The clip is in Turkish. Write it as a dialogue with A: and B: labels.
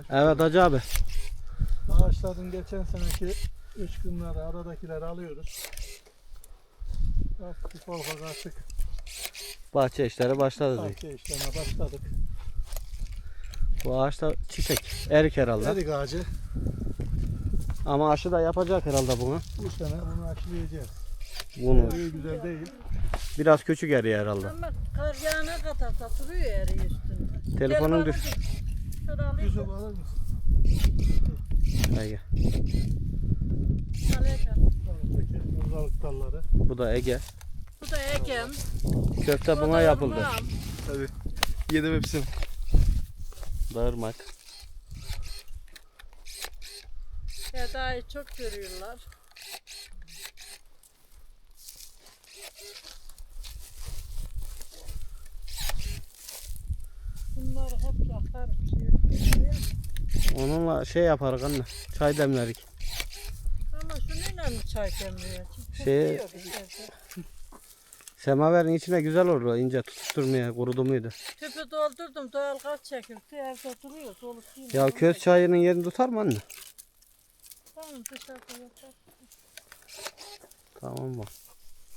A: Evet Hacı abi.
B: Ağaçların geçen seneki uçkunları, aradakileri alıyoruz. Ufak ufak artık
A: Bahçe işleri başladı diyor.
B: bahçe işlerine başladık.
A: Bu ağaçta çiçek. Erik herhalde.
B: Erik ağacı.
A: Ama aşı da yapacak herhalde bunu.
B: Bu sene bunu aşılayacağız.
A: Bunu.
B: Eriği güzel değil.
A: Biraz küçük eriyor herhalde.
C: Ama kar yağına kadar da duruyor eriği üstünde.
A: Telefonun düş.
C: Şöyle alayım.
B: Yusuf alır mısın?
A: Ege.
C: Alacağım.
B: Önümüzdeki muzdalık dalları.
A: Bu da Ege.
C: Bu da Ekem.
A: Köfte
C: Bu
A: buna
C: da
A: yapıldı.
C: Irmağım.
D: Tabii. Yedim hepsini.
A: Dağırmak.
C: Eda'yı çok görüyorlar. Bunları hep yakarım.
A: Onunla şey yaparız anne. Çay demlerik.
C: Ama şununla mı çay demliyor?
A: Şey- Semaverin içine güzel olur o ince tutuşturmaya kurudu muydu?
C: Tüpü doldurdum, doğal gaz çekildi, evde duruyor, dolu değil.
A: Ya köz çayının yerini tutar mı anne?
C: Tamam, dışarıda yapar.
A: Tamam mı?